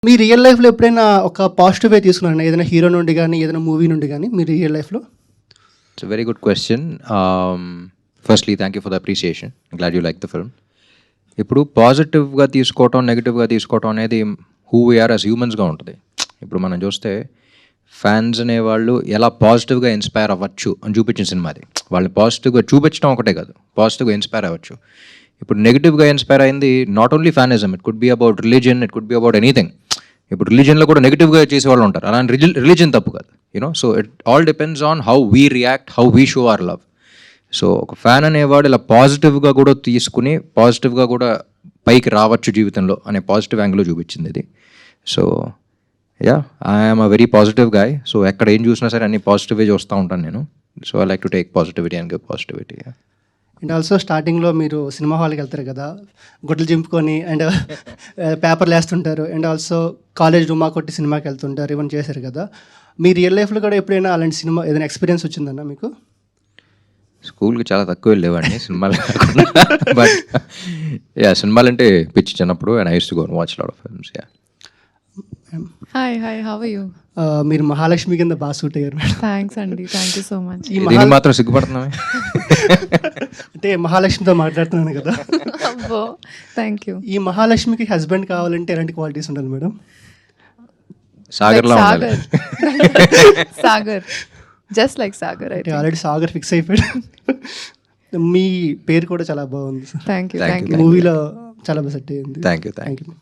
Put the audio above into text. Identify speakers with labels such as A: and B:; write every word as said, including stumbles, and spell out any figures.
A: మీ real లైఫ్‌లో ఎప్పుడైనా ఒక పాజిటివ్ వే తీసుకున్నారా? ఏదైనా హీరో నుండి గాని, ఏదైనా మూవీ నుండి గాని మీ రియల్ లైఫ్‌లో?
B: It's a very good question. Um, firstly thank you for the appreciation. Glad you like the film. ఇప్పుడు పాజిటివ్‌గా తీసుకోవటం, నెగెటివ్‌గా తీసుకోవటం అనేది హూ వి ఆర్ యాస్ హ్యూమన్స్‌గా ఉంటది. ఇప్పుడు మనం చూస్తే ఫ్యాన్స్ అనేవాళ్ళు ఎలా పాజిటివ్‌గా ఇన్‌స్పైర్ అవ్వచ్చు అని చూపించిన సినిమా అది. వాళ్ళని పాజిటివ్‌గా చూపించడం ఒకటే కాదు, పాజిటివ్‌గా ఇన్‌స్పైర్ అవ్వచ్చు. ఇప్పుడు నెగెటివ్‌గా ఇన్‌స్పైర్ అయింది not only fanism, it could be about religion, it could be about anything. ఇప్పుడు రిలీజియన్లో కూడా నెగిటివ్గా చేసేవాళ్ళు ఉంటారు. అలాంటి రిజి రిలీజియన్ తప్పు కాదు, you know. So it all depends on how we react, how we show our love. So ఒక ఫ్యాన్ అనేవాడు ఇలా పాజిటివ్గా కూడా తీసుకుని పాజిటివ్గా కూడా పైకి రావచ్చు జీవితంలో అనే పాజిటివ్ యాంగిల్లో చూపించింది ఇది. So yeah, I'm a very positive guy. So ఎక్కడ ఏం చూసినా సరే అన్ని పాజిటివ్గా చూస్తూ ఉంటాను నేను. So I like to take positivity and give positivity.
A: And also స్టార్టింగ్‌లో మీరు సినిమా హాల్‌కి వెళ్తారు కదా! గుడ్డలు చింపుకొని అండ్ పేపర్లు వేస్తుంటారు. అండ్ ఆల్సో కాలేజ్ డుమ్మా కొట్టి సినిమాకి వెళ్తుంటారు. ఇవన్నీ చేశారు కదా! మీ రియల్ లైఫ్‌లో కూడా ఎప్పుడైనా అలాంటి సినిమా ఏదైనా ఎక్స్పీరియన్స్ వచ్చిందన్నా మీకు?
B: స్కూల్కి చాలా తక్కువ వెళ్ళేవాడిని సినిమాలు కాకుండా. బట్ యా, సినిమాలంటే పిచ్చి చిన్నప్పుడు. And I use to go and watch lot of films. Yeah.
C: Hi hi how are you?
A: Ah, మీరు మహాలక్ష్మి కింద బాగా సూట్ అయ్యారు మేడం.
C: థ్యాంక్స్ అండి, థ్యాంక్ యూ సో మచ్.
A: ఈ
B: దీనికి
A: మహా
B: మాత్రం సిగ్గుపడుతున్నామే.
A: అంటే మహాలక్ష్మితో మాట్లాడుతున్నాను కదా!
C: అబ్బో, థ్యాంక్ యూ.
A: ఈ మహాలక్ష్మికి హస్బెండ్ కావాలంటే ఎలాంటి క్వాలిటీస్ ఉండాలి మేడం?
B: సాగర్లా ఉండాలి.
C: Sagar, just like Sagar.
A: అంటే ఆల్రెడీ సాగర్ ఫిక్స్ అయిపోయాడు. మీ పేరు కూడా చాలా బాగుంది.
C: Thank you,
B: Thank
C: thank
B: you.
C: You.
A: మూవీలో చాలా బాగా సెట్ అయ్యింది.
B: Thank you thank you
A: thank you.